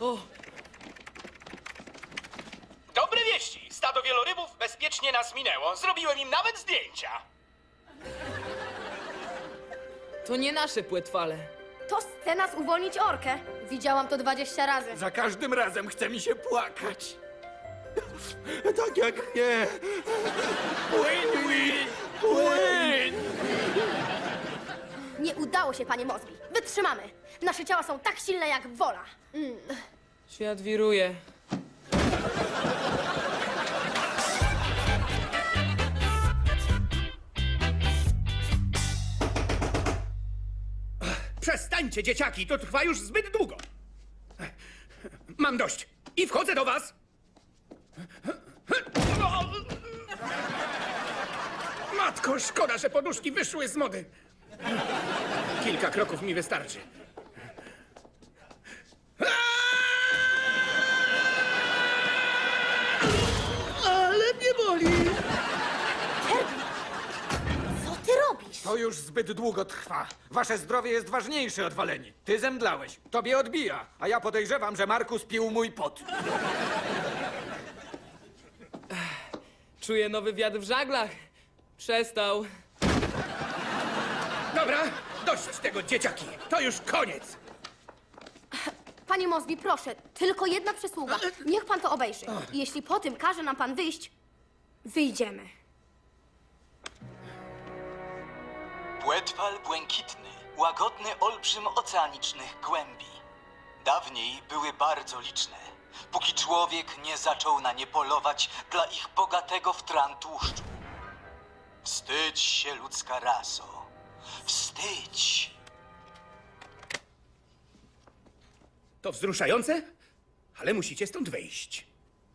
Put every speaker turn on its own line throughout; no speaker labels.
O,
Dobre wieści! Stado wielorybów bezpiecznie nas minęło. Zrobiłem im nawet zdjęcia.
to nie nasze płetwale.
To chce nas uwolnić orkę. Widziałam to 20 razy.
Za każdym razem chce mi się płakać. Tak jak nie. Płyń, Will! Płyń!
Nie udało się, panie Mosby. Wytrzymamy. Nasze ciała są tak silne jak wola.
Świat wiruje.
Przestańcie, dzieciaki, to trwa już zbyt długo. Mam dość i wchodzę do was. Matko, szkoda, że poduszki wyszły z mody. Kilka kroków mi wystarczy. Ale mnie boli.
Co ty robisz?
To już zbyt długo trwa. Wasze zdrowie jest ważniejsze od waleni. Ty zemdlałeś, tobie odbija, a ja podejrzewam, że Markus pił mój pot.
Czuję nowy wiatr w żaglach. Przestał.
Dobra, dość tego, dzieciaki. To już koniec.
Panie Mosby, proszę, tylko jedna przysługa. Niech pan to obejrzy. I jeśli po tym każe nam pan wyjść, wyjdziemy.
Płetwal błękitny, łagodny olbrzym oceanicznych głębi. Dawniej były bardzo liczne, póki człowiek nie zaczął na nie polować dla ich bogatego w tran tłuszczu. Wstydź się, ludzka raso. Wstydź!
To wzruszające, ale musicie stąd wyjść.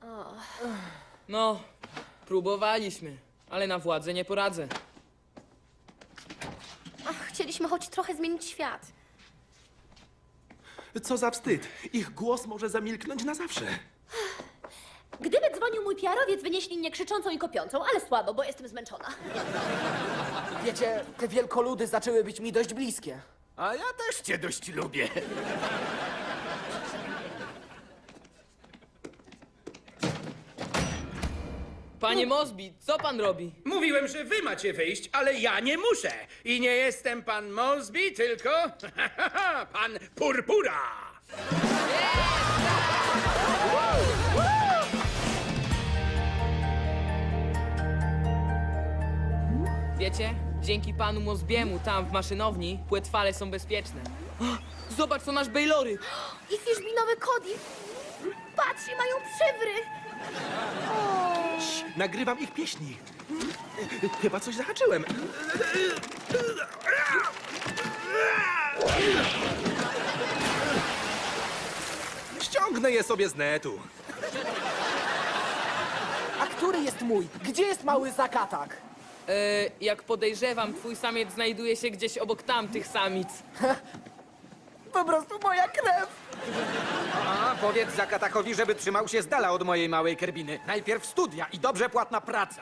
No, próbowaliśmy, ale na władzę nie poradzę.
Ach, chcieliśmy choć trochę zmienić świat.
Co za wstyd. Ich głos może zamilknąć na zawsze.
Gdyby dzwonił mój PR-owiec, wynieśli mnie krzyczącą i kopiącą, ale słabo, bo jestem zmęczona.
Wiecie, te wielkoludy zaczęły być mi dość bliskie.
A ja też cię dość lubię.
Panie Mosby, co pan robi?
Mówiłem, że wy macie wyjść, ale ja nie muszę. I nie jestem pan Mosby, tylko pan Purpura.
Wiecie, dzięki panu Mosbiemu tam w maszynowni płetwale są bezpieczne. O, zobacz, to nasz Baylory.
I fiszbinowy Cody. Patrzcie, mają przywry.
Nagrywam ich pieśni. Chyba coś zahaczyłem. Ściągnę je sobie z netu.
A który jest mój? Gdzie jest mały zakatak?
Jak podejrzewam, twój samiec znajduje się gdzieś obok tamtych samic.
Po prostu moja krew.
A powiedz Zakatakowi, żeby trzymał się z dala od mojej małej kerbiny. Najpierw studia i dobrze płatna praca.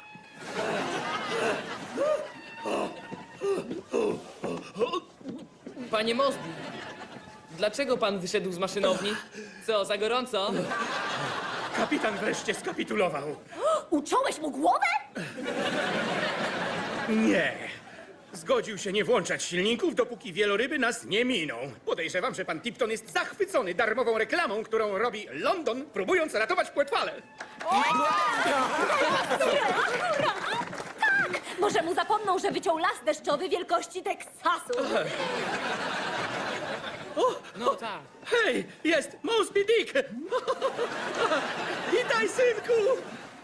Panie Mosby, dlaczego pan wyszedł z maszynowni? Co, za gorąco?
Kapitan wreszcie skapitulował.
Uciąłeś mu głowę?
Nie. Zgodził się nie włączać silników, dopóki wieloryby nas nie miną. Podejrzewam, że pan Tipton jest zachwycony darmową reklamą, którą robi London, próbując ratować płetwale.
Może mu zapomną, że wyciął las deszczowy wielkości Teksasu.
No tak.
Hej, jest Mosby Dick! Witaj, synku!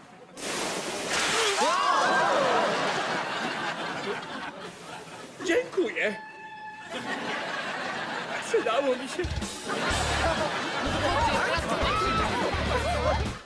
Dziękuję. Przydało mi się.